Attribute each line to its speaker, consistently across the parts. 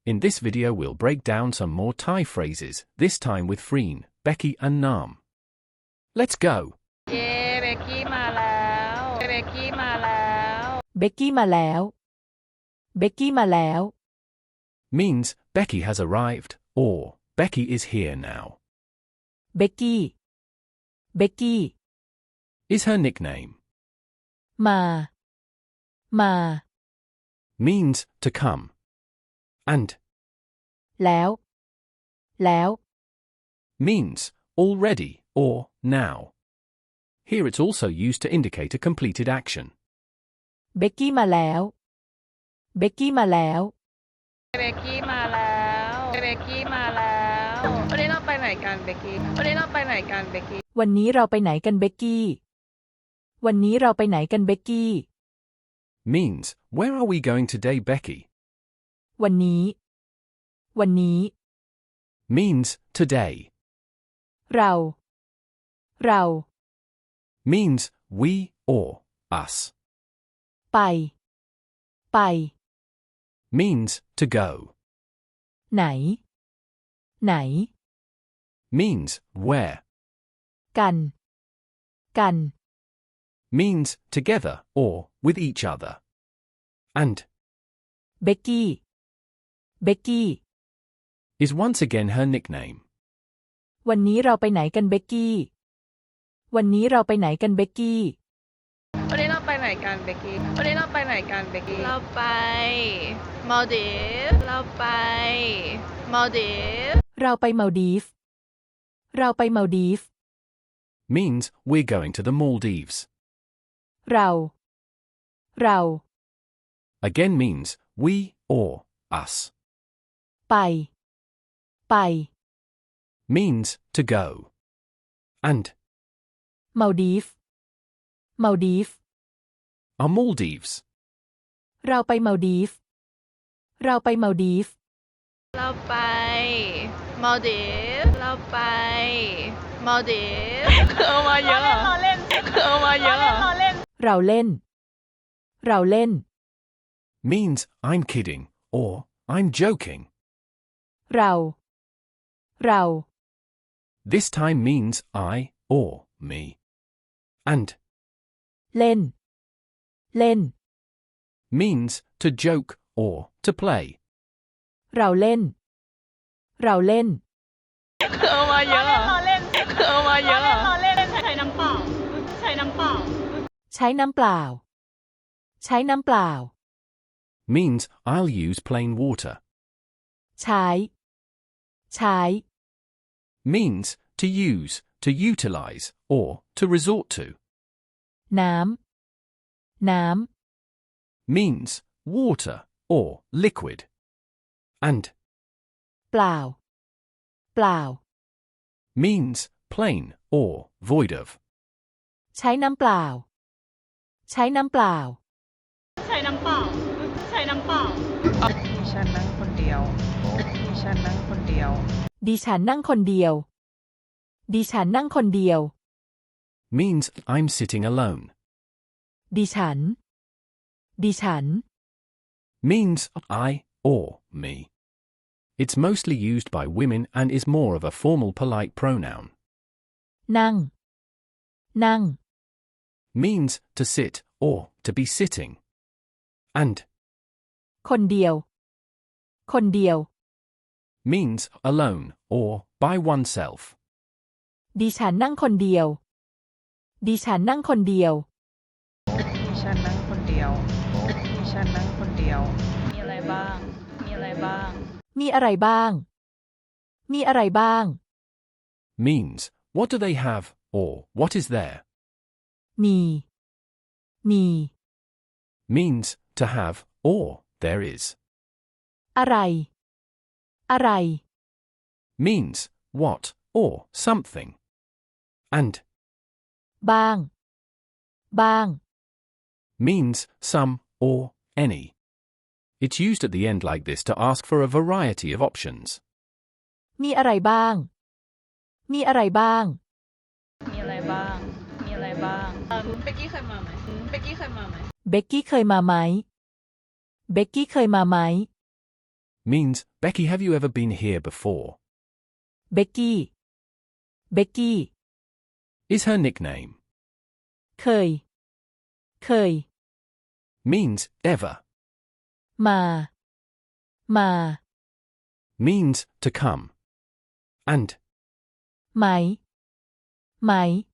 Speaker 1: In this video we'll break down some more Thai phrases, this time with Freen, Becky and Nam. Let's go!
Speaker 2: เย้เบกกี้มาแล้วเบกกี้มาแล้ว
Speaker 3: เบกกี้มาแล้ว เบกกี้มาแล้ว
Speaker 1: means Becky has arrived, or Becky is here now.
Speaker 3: เบกกี้ เบกกี้
Speaker 1: Is her nickname.
Speaker 3: มา มา
Speaker 1: Means to come. And
Speaker 3: แล้ว แล้ว
Speaker 1: means already or now. Here it's also used to indicate a completed action.
Speaker 3: เบกกี้มาแล้ว เบกกี้มาแล้ว
Speaker 2: เบกกี้มาแล้วเบกกี้มาแล้ววันนี้เราไปไหนกันเบกกี้วันนี้เราไปไหนกันเบกกี้
Speaker 3: วันนี้เราไปไหนกันเบกกี้ วันนี้เราไปไหนกันเบกกี้
Speaker 1: Means, where are we going today, Becky?
Speaker 3: วันนี้ วันนี้
Speaker 1: Means today.
Speaker 3: เรา เรา
Speaker 1: Means we or us.
Speaker 3: ไป ไป
Speaker 1: Means to go.
Speaker 3: ไหน ไหน
Speaker 1: Means where.
Speaker 3: กัน กัน
Speaker 1: Means together or with each other. And
Speaker 3: เบกกี้ เบกกี้
Speaker 1: is once again her nickname.
Speaker 3: วันนี้เราไปไหนกันเบกกี้ วันนี้เราไปไหนกันเบกกี้
Speaker 2: วันนี้เราไปไหนกันเบกกี้วันนี้เราไปไหนกันเบกกี้เราไปมาลดีฟเราไปมาลดีฟ
Speaker 3: เราไปมาลดีฟ เราไปมาลดีฟ
Speaker 1: Means we're going to the Maldives.
Speaker 3: เรา เรา
Speaker 1: Again means we or us.
Speaker 3: ไป ไป
Speaker 1: Means to go. And
Speaker 3: มาลดีฟ มาลดีฟ
Speaker 1: are Maldives.
Speaker 3: เราไปมาลดีฟ เราไปมาลดีฟ
Speaker 2: เราไปมาลดีฟเราไปมาลดีฟเอามาเยอะเราเล่นเอามาเยอะเราเล่น
Speaker 3: เราเล่น เราเล่น
Speaker 1: Means I'm kidding or I'm joking.
Speaker 3: เรา เรา
Speaker 1: This time means I or me. And
Speaker 3: เล่น เล่น
Speaker 1: means to joke or to play.
Speaker 3: เราเล่น เราเล่น
Speaker 2: เอามาเยอะเราเล่นเอามาเยอะเราเล่นใช้น้ำเปล่าใช้น้ำเปล่า
Speaker 3: ใช้น้ำเปล่า ใช้น้ำเปล่า
Speaker 1: Means I'll use plain water.
Speaker 3: ใช้ ใช้
Speaker 1: Means to use, to utilize, or to resort to.
Speaker 3: น้ำ น้ำ
Speaker 1: Means water or liquid. And
Speaker 3: เปล่า เปล่า
Speaker 1: means plain or void of.
Speaker 3: ใช้น้ำเปล่า ใช้น้ำเปล่า
Speaker 2: ใช้น้ำเปล่าใช้น้ำเปล่าดิฉันนั่งคนเดียวดิฉันนั่งคนเดียว
Speaker 3: ดิฉันนั่งคนเดียว ดิฉันนั่งคนเดียว
Speaker 1: Means I'm sitting alone.
Speaker 3: ดิฉัน ดิฉัน
Speaker 1: Means I or me. It's mostly used by women and is more of a formal polite pronoun.
Speaker 3: นั่ง นั่ง
Speaker 1: Means to sit or to be sitting. And
Speaker 3: คนเดียว คนเดียว
Speaker 1: means alone or by oneself.
Speaker 3: ดิฉันนั่งคนเดียว ดิฉันนั่งคนเดียว
Speaker 2: ดิฉันนั่งคนเดียวดิฉันนั่งคนเดียวมีอะไรบ้างมีอะไรบ้าง
Speaker 3: มีอะไรบ้าง มีอะไรบ้าง
Speaker 1: Means what do they have or what is there.
Speaker 3: มี มี
Speaker 1: Means to have or there is.
Speaker 3: อะไร อะไร
Speaker 1: Means what or something. And
Speaker 3: บ้าง บ้าง
Speaker 1: means some or any. It's used at the end like this to ask for a variety of options.
Speaker 3: มีอะไรบ้าง มีอะไรบ้าง
Speaker 2: มีอะไรบ้างมีอะไรบ้างเบกกี้เคยมาไหมเบกกี้เคยมาไหม
Speaker 3: เบกกี้เคยมาไหม เบกกี้เคยมาไหม
Speaker 1: means, Becky, have you ever been here before?
Speaker 3: เบกกี้เบกกี้
Speaker 1: Is her nickname.
Speaker 3: เคย เคย
Speaker 1: Means, ever.
Speaker 3: มา มา
Speaker 1: Means, to come. And,
Speaker 3: ไหม ไหม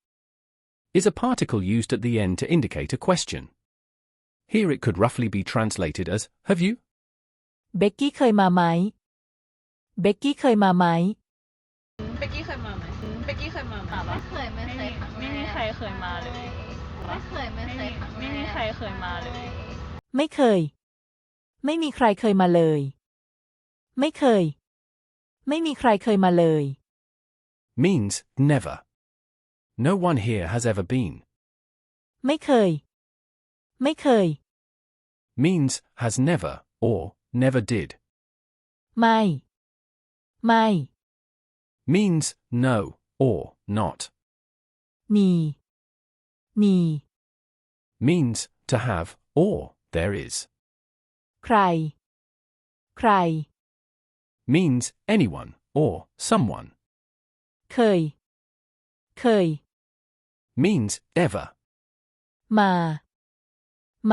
Speaker 1: is a particle used at the end to indicate a question. Here it could roughly be translated as, have you?
Speaker 3: เบกกี้เคยมาไหม เบกกี้เคยมาไหม
Speaker 2: เบกกี้เคยมาไหมเบกกี้เคยมาไหมไม่เคยไม่เคยไม่มีใครเคยมาเลยไม่เคยไม่เคยไม่มีใครเคยมาเลย
Speaker 3: ไม่เคย ไม่มีใครเคยมาเลย ไม่เคย ไม่มีใครเคยมาเลย
Speaker 1: Means, never. No one here has ever been.
Speaker 3: ไม่เคย ไม่เคย
Speaker 1: Means, has never, or, never did.
Speaker 3: ไม่ ไม่
Speaker 1: Means, no, or, not.
Speaker 3: มี มี
Speaker 1: Means, to have, or, there is.
Speaker 3: ใคร ใคร
Speaker 1: Means, anyone, or, someone.
Speaker 3: เคย เคย
Speaker 1: Means, ever.
Speaker 3: มา มา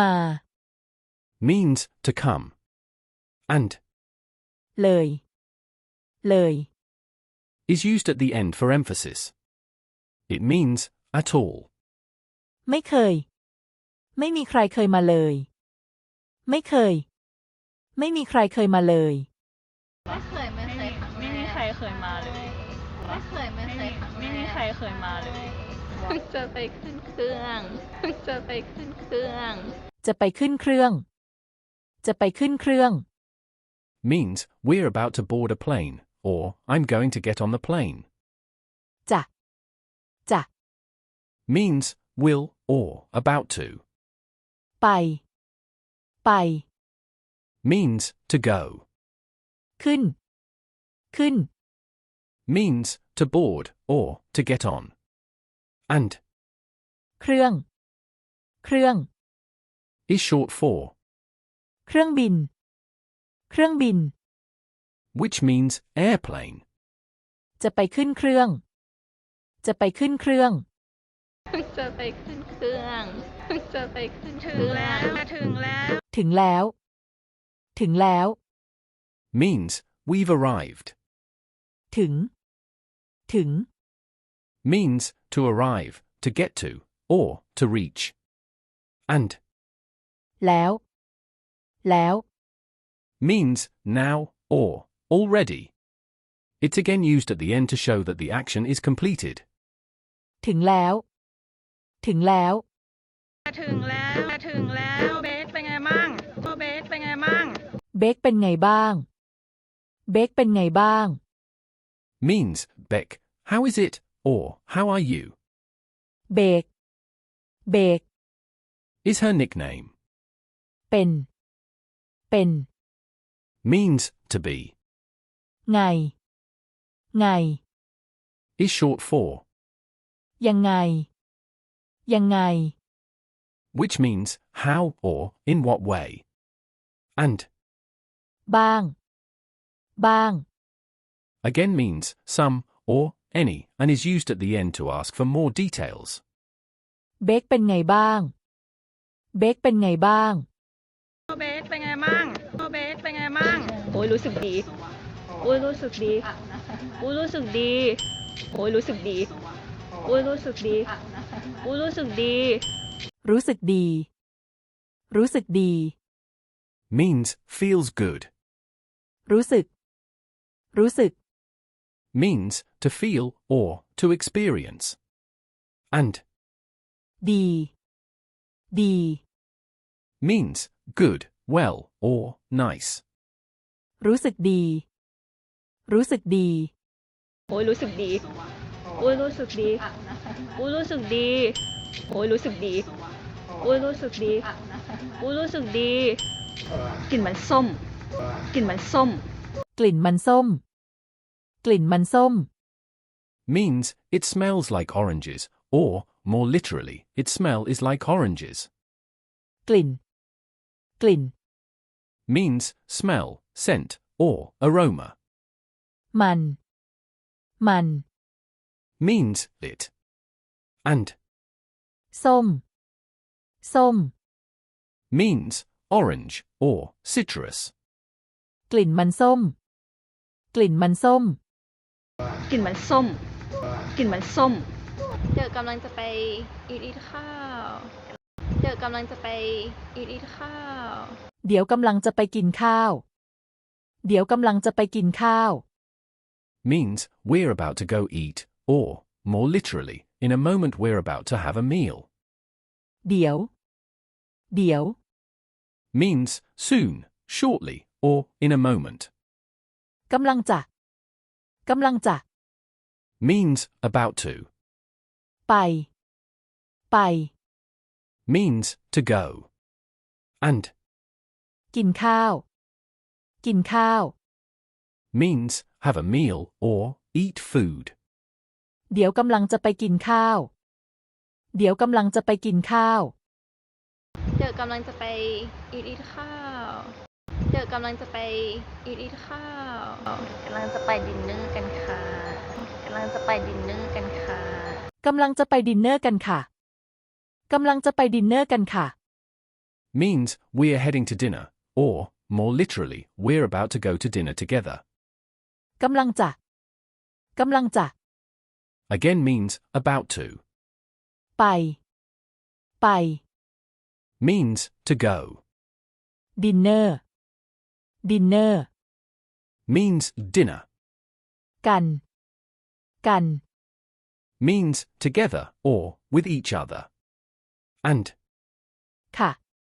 Speaker 1: Means, to come. And,
Speaker 3: เลย เลย
Speaker 1: is used at the end for emphasis. It means, at all.
Speaker 3: ไม่เคย ไม่มีใครเคยมาเลย ไม่เคย ไม่มีใครเคยมาเลย
Speaker 2: ไม่เคยไม่เคยไม่มีใครเคยมาเลยไม่เคยไม่เคยไม่มีใครเคยมาเลยจะไปขึ้นเครื่องจะไปขึ้นเครื่อง
Speaker 3: จะไปขึ้นเครื่อง จะไปขึ้นเครื่อง
Speaker 1: Means, we're about to board a plane, or, I'm going to get on the plane.
Speaker 3: จะ จะ
Speaker 1: Means, will, or, about to.
Speaker 3: ไป ไป
Speaker 1: Means, to go.
Speaker 3: ขึ้น ขึ้น
Speaker 1: Means, to board, or, to get on. And,
Speaker 3: เครื่อง เครื่อง
Speaker 1: is short for,
Speaker 3: เครื่องบิน เครื่องบิน
Speaker 1: which means, airplane.
Speaker 3: จะไปขึ้นเครื่อง จะไปขึ้นเครื่อง
Speaker 2: จะไปขึ้นเครื่องจะไปขึ้นเครื่องถึงแล้ว
Speaker 3: ถึงแล้ว ถึงแล้ว
Speaker 1: Means, we've arrived.
Speaker 3: ถึง ถึง
Speaker 1: Means, to arrive, to get to, or, to reach. And,
Speaker 3: แล้ว แล้ว
Speaker 1: means, now, or, already. It's again used at the end to show that the action is completed.
Speaker 3: ถึงแล้ว ถึงแล้ว
Speaker 2: ถึงแล้วถึงแล้วเบสเป็นไงมั่งเบสเป็นไงมั่ง
Speaker 3: เบคเป็นไงบ้าง เบคเป็นไงบ้าง
Speaker 1: Means, Beck, how is it, or, how are you?
Speaker 3: เบก เบก
Speaker 1: Is her nickname.
Speaker 3: เป็น เป็น
Speaker 1: Means, to be.
Speaker 3: ไง ไง
Speaker 1: Is short for,
Speaker 3: ยังไง ยังไง
Speaker 1: which means, how, or, in what way. And,
Speaker 3: บ้าง บ้าง
Speaker 1: again means, some, or, any, and is used at the end to ask for more details.
Speaker 3: เบคเป็นไงบ้าง เบคเป็นไงบ้าง
Speaker 2: เบสเป็นไงมั่งเบสเป็นไงมั่งโอ้ยรู้สึกดีโอ้ยรู้สึกดีโอ้ยรู้สึกดีโอ้ยรู้สึกดีโอ้ยรู้สึกดีโอ้ยรู้สึกดี
Speaker 3: รู้สึกดี รู้สึกดี
Speaker 1: Means, feels good.
Speaker 3: รู้สึก รู้สึก
Speaker 1: Means, to feel, or, to experience. And,
Speaker 3: ดี ดี
Speaker 1: means, good, well, or, nice.
Speaker 3: รู้สึกดี รู้สึกดี
Speaker 2: โอ้ยรู้สึกดีโอ้ยรู้สึกดีโอ้ยรู้สึกดีโอ้ยรู้สึกดีโอ้ยรู้สึกดีโอ้ยรู้สึกดีกลิ่นมันส้มกลิ่นมันส้ม
Speaker 3: กลิ่นมันส้ม กลิ่นมันส้ม
Speaker 1: Means, it smells like oranges, or, more literally, its smell is like oranges.
Speaker 3: กลิ่น กลิ่น
Speaker 1: Means, smell, scent, or aroma.
Speaker 3: มัน
Speaker 1: Means it. And
Speaker 3: ส้ม
Speaker 1: means orange or citrus.
Speaker 3: กลิ่นมันส้ม
Speaker 2: กลิ่นมันส้ม กลิ่นมันส้ม เดี๋ยวกำลังจะไปอีทข้าว เดี๋ยวกำลังจะไปอีทข้าว
Speaker 3: เดี๋ยวกำลังจะไปกินข้าว เดี๋ยวกำลังจะไปกินข้าว
Speaker 1: Means we're about to go eat, or, more literally, in a moment we're about to have a meal.
Speaker 3: เดี๋ยว
Speaker 1: Means soon, shortly, or in a moment.
Speaker 3: กำลังจะ
Speaker 1: Means about to.
Speaker 3: ไป
Speaker 1: Means to go. And
Speaker 3: กินข้าว
Speaker 1: means have a meal or eat food.
Speaker 3: เดี๋ยวกำลังจะไปกินข้าว เดี๋ยวกำลังจะไปกินข้าว
Speaker 2: เดี๋ยวกำลังจะไปอีทข้าว เดี๋ยวกำลังจะไปอีทข้าว กำลังจะไปดินเนอร์กันค่ะ กำลังจะไปดินเนอร์กันค่ะ
Speaker 3: กำลังจะไปดินเนอร์กันค่ะ กำลังจะไปดินเนอร์กันค่ะ
Speaker 1: Means we're heading to dinner, or, more literally, we're about to go to dinner together.
Speaker 3: กำลังจะ
Speaker 1: Again means about to.
Speaker 3: ไป
Speaker 1: Means to go.
Speaker 3: ดินเนอร์
Speaker 1: Means dinner.
Speaker 3: กัน
Speaker 1: Means together or with each other. And
Speaker 3: ค่ะ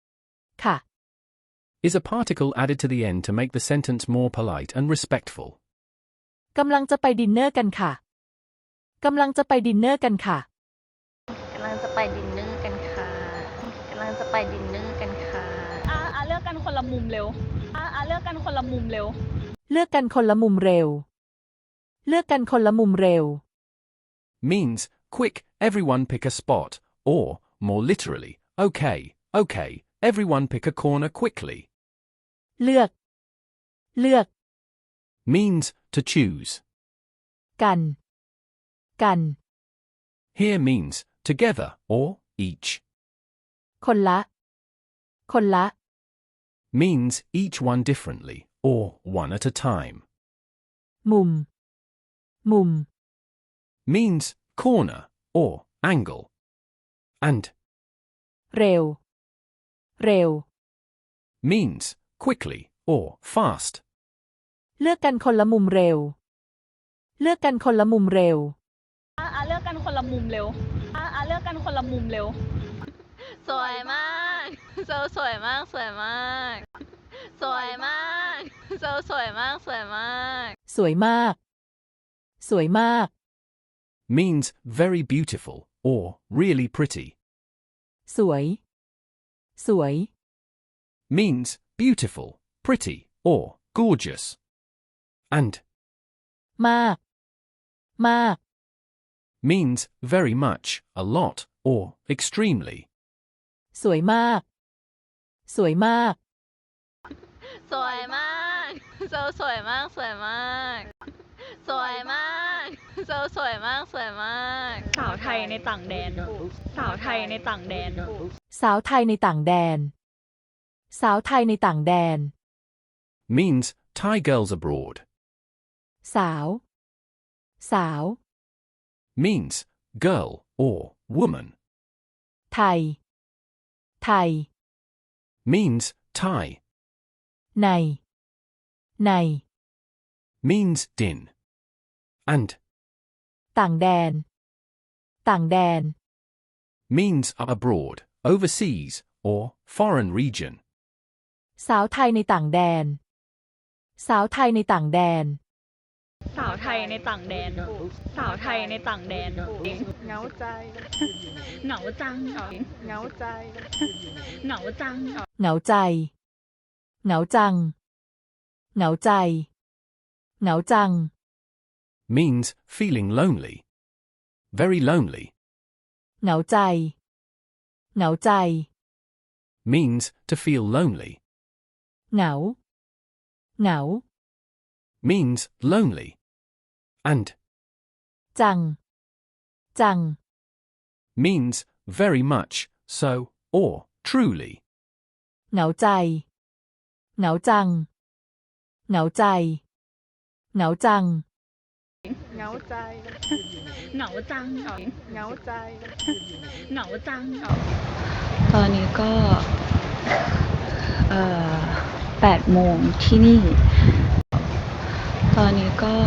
Speaker 1: is a particle added to the end to make the sentence more polite and respectful.
Speaker 3: กำลังจะไปดินเนอร์กันค่ะ กำลังจะไปดินเนอร์กันค่ะ
Speaker 2: กำลังจะไปดินเนอร์กันค่ะ กำลังจะไปดินเนอร์กันค่ะ เลือกกันคนละมุมเร็ว เลือกกันคนละมุมเร็ว
Speaker 3: เลือกกันคนละมุมเร็ว เลือกกันคนละมุมเร็ว
Speaker 1: Means quick, everyone pick a spot, or, more literally, okay, everyone pick a corner quickly.
Speaker 3: เลือก
Speaker 1: Means to choose.
Speaker 3: กัน
Speaker 1: Here means together or each.
Speaker 3: คนละ
Speaker 1: Means each one differently, or one at a time.
Speaker 3: มุม
Speaker 1: Means corner or angle. And
Speaker 3: เร็ว
Speaker 1: means quickly or fast.
Speaker 3: เลือกกันคนละมุมเร็ว เลือกกันคนละมุมเร็ว
Speaker 2: เลือกกันคนละมุมเร็ว เลือกกันคนละมุมเร็ว สวยมากสวยมาก สวยมาก สวยมาก สวยมาก สวยมาก
Speaker 3: สวยมาก
Speaker 1: Means very beautiful or really pretty.
Speaker 3: สวย
Speaker 1: Means beautiful, pretty, or gorgeous. And
Speaker 3: มาก
Speaker 1: means very much, a lot, or extremely.
Speaker 3: สวยมาก
Speaker 2: สวยมาก สวยมาก สวยมาก สวยมาก สวยมาก สวยมาก สวยมาก สาวไทยในต่างแดน สาวไทยในต่างแดน
Speaker 3: สาวไทยในต่างแดน สาวไทยในต่างแดน
Speaker 1: Means Thai girls abroad.
Speaker 3: สาว
Speaker 1: Means girl or woman.
Speaker 3: ไทย
Speaker 1: Means Thai.
Speaker 3: ใน
Speaker 1: Means din. And
Speaker 3: ต่างแดน
Speaker 1: means abroad, overseas, or foreign region.
Speaker 3: สาวไทยในต่างแดน สาวไทยในต่างแดน
Speaker 2: สาวไทยในต่างแดน สาวไทยในต่างแดน
Speaker 4: เหงาใจ
Speaker 2: เหงาจัง
Speaker 4: เหงาใจ
Speaker 2: เหงาจัง
Speaker 3: เหงาใจ เหงาจัง เหงาใจ เหงาจัง
Speaker 1: Means feeling lonely. Very lonely.
Speaker 3: เหงาใจ เหงาใจ
Speaker 1: Means to feel lonely.
Speaker 3: เหงา
Speaker 1: means lonely. And
Speaker 3: จัง จัง
Speaker 1: means very much, so, or truly.
Speaker 3: เหงาใจ เหงาจัง เหงาใจ เหงาจัง
Speaker 4: เหงาใจ
Speaker 2: เหงาจัง
Speaker 4: เหงาใจ
Speaker 2: เหงาจัง
Speaker 5: ตอนนี้ก็8 โมงที่นี่ ตอนนี้ก็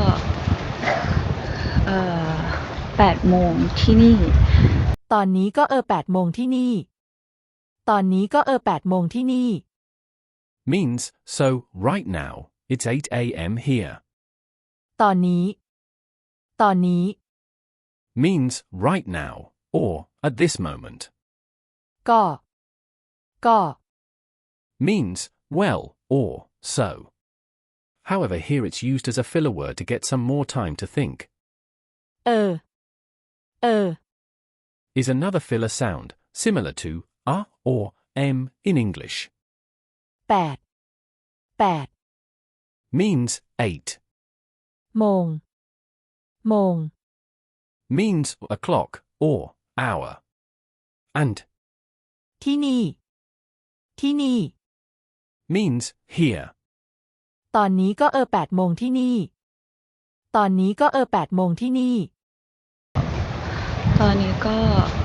Speaker 5: 8 โมงที่นี่
Speaker 3: ตอนนี้ก็8 โมงที่นี่ ตอนนี้ก็8 โมงที่นี่
Speaker 1: Means, so, right now, it's 8 a.m. here.
Speaker 3: ตอนนี้ ตอนนี้
Speaker 1: Means right now, or at this moment.
Speaker 3: ก็ ก็
Speaker 1: Means well, or so. However, here it's used as a filler word to get some more time to think.
Speaker 3: เออ เออ
Speaker 1: Is another filler sound, similar to or m in English.
Speaker 3: 8 8
Speaker 1: Means 8.
Speaker 3: โมง โมง
Speaker 1: Means o'clock, or hour. And
Speaker 3: ที่นี่ ที่นี่
Speaker 1: means here.
Speaker 3: ตอนนี้ก็8 โมงที่นี่ ตอนนี้ก็8 โมงที่นี่
Speaker 5: ตอนนี้ก็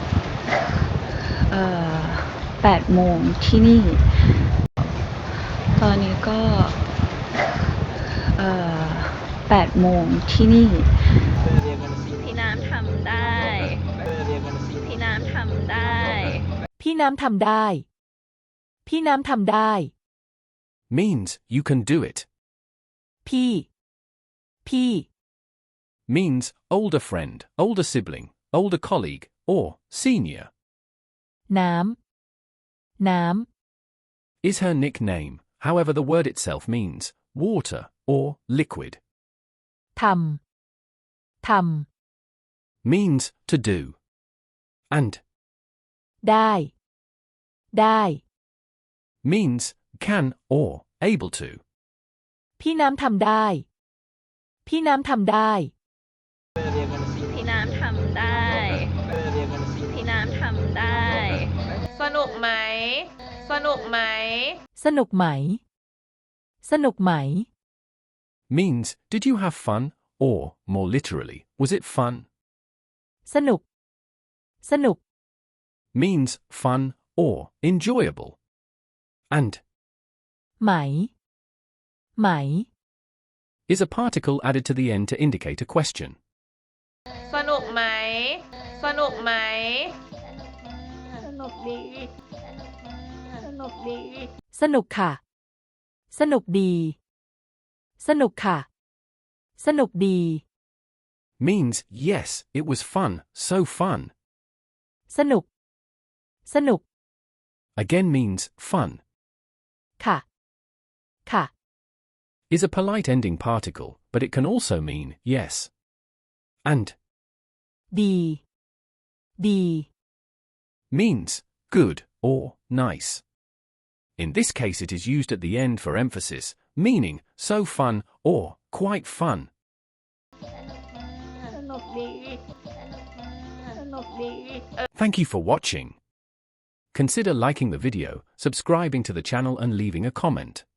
Speaker 5: 8 โมงที่นี่ ตอนนี้ก็8 โมงที่นี่
Speaker 2: พี่น้ำทำได้ พี่น้ำทำได้
Speaker 3: พี่น้ำทำได้ พี่น้ำทำได้
Speaker 1: Means you can do it.
Speaker 3: พี่ พี่
Speaker 1: Means older friend, older sibling, older colleague, or senior.
Speaker 3: น้ำ น้ำ
Speaker 1: Is her nickname, however the word itself means water or liquid.
Speaker 3: ทำ ทำ
Speaker 1: Means to do. And
Speaker 3: ได้ ได้
Speaker 1: means can or able to.
Speaker 3: พี่น้ำทำได้ พี่น้ำทำได้
Speaker 2: พี่น้ำทำได้ พี่น้ำทำได้
Speaker 4: สนุกไหม สนุกไหม
Speaker 3: สนุกไหม สนุกไหม
Speaker 1: Means did you have fun, or more literally, was it fun?
Speaker 3: สนุก สนุก
Speaker 1: Means fun or enjoyable. And
Speaker 3: ไหม ไหม
Speaker 1: is a particle added to the end to indicate a question.
Speaker 4: สนุกไหม สนุกไหม
Speaker 2: สนุกดี สนุกดี
Speaker 3: สนุกค่ะ สนุกดี สนุกค่ะ สนุกดี
Speaker 1: Means yes, it was fun, so fun.
Speaker 3: สนุก สนุก
Speaker 1: Again means fun.
Speaker 3: ค่ะ ค่ะ
Speaker 1: Is a polite ending particle, but it can also mean yes. And
Speaker 3: ดี ดี
Speaker 1: means good or nice. In this case it is used at the end for emphasis, meaning so fun or quite fun.
Speaker 2: สนุกดี สนุกดี
Speaker 1: Thank you for watching. Consider liking the video, subscribing to the channel and leaving a comment.